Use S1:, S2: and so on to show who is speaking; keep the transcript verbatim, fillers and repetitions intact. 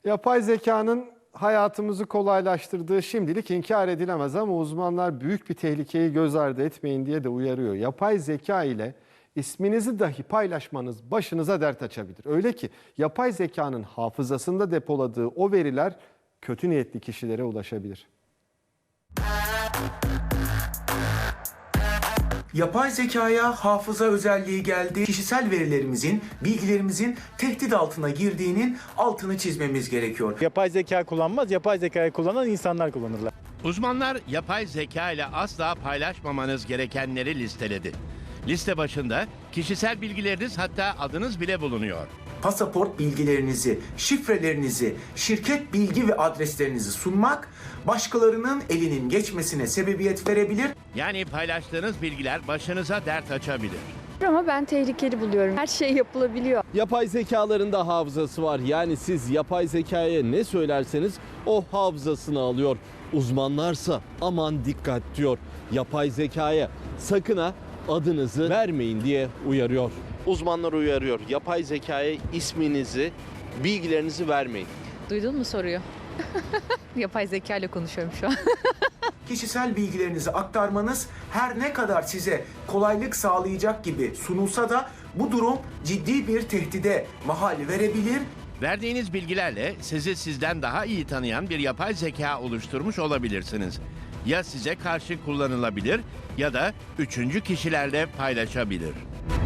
S1: Yapay zekanın hayatımızı kolaylaştırdığı şimdilik inkar edilemez ama uzmanlar büyük bir tehlikeyi göz ardı etmeyin diye de uyarıyor. Yapay zeka ile isminizi dahi paylaşmanız başınıza dert açabilir. Öyle ki yapay zekanın hafızasında depoladığı o veriler kötü niyetli kişilere ulaşabilir.
S2: Yapay zekaya hafıza özelliği geldi. Kişisel verilerimizin, bilgilerimizin tehdit altına girdiğinin altını çizmemiz gerekiyor.
S3: Yapay zeka kullanmaz, yapay zekayı kullanan insanlar kullanırlar.
S4: Uzmanlar yapay zeka ile asla paylaşmamanız gerekenleri listeledi. Liste başında kişisel bilgileriniz, hatta adınız bile bulunuyor.
S2: Pasaport bilgilerinizi, şifrelerinizi, şirket bilgi ve adreslerinizi sunmak başkalarının elinin geçmesine sebebiyet verebilir.
S4: Yani paylaştığınız bilgiler başınıza dert açabilir.
S5: Ama ben tehlikeli buluyorum. Her şey yapılabiliyor.
S6: Yapay zekaların da hafızası var. Yani siz yapay zekaya ne söylerseniz o hafızasını alıyor. Uzmanlarsa aman dikkat diyor. Yapay zekaya sakın ha adınızı vermeyin diye uyarıyor. Uzmanlar uyarıyor. Yapay zekaya isminizi, bilgilerinizi vermeyin.
S7: Duydun mu soruyu? Yapay zeka ile konuşuyorum şu an.
S2: Kişisel bilgilerinizi aktarmanız her ne kadar size kolaylık sağlayacak gibi sunulsa da bu durum ciddi bir tehdide mahal verebilir.
S4: Verdiğiniz bilgilerle sizi sizden daha iyi tanıyan bir yapay zeka oluşturmuş olabilirsiniz. Ya size karşı kullanılabilir ya da üçüncü kişilerle paylaşabilir.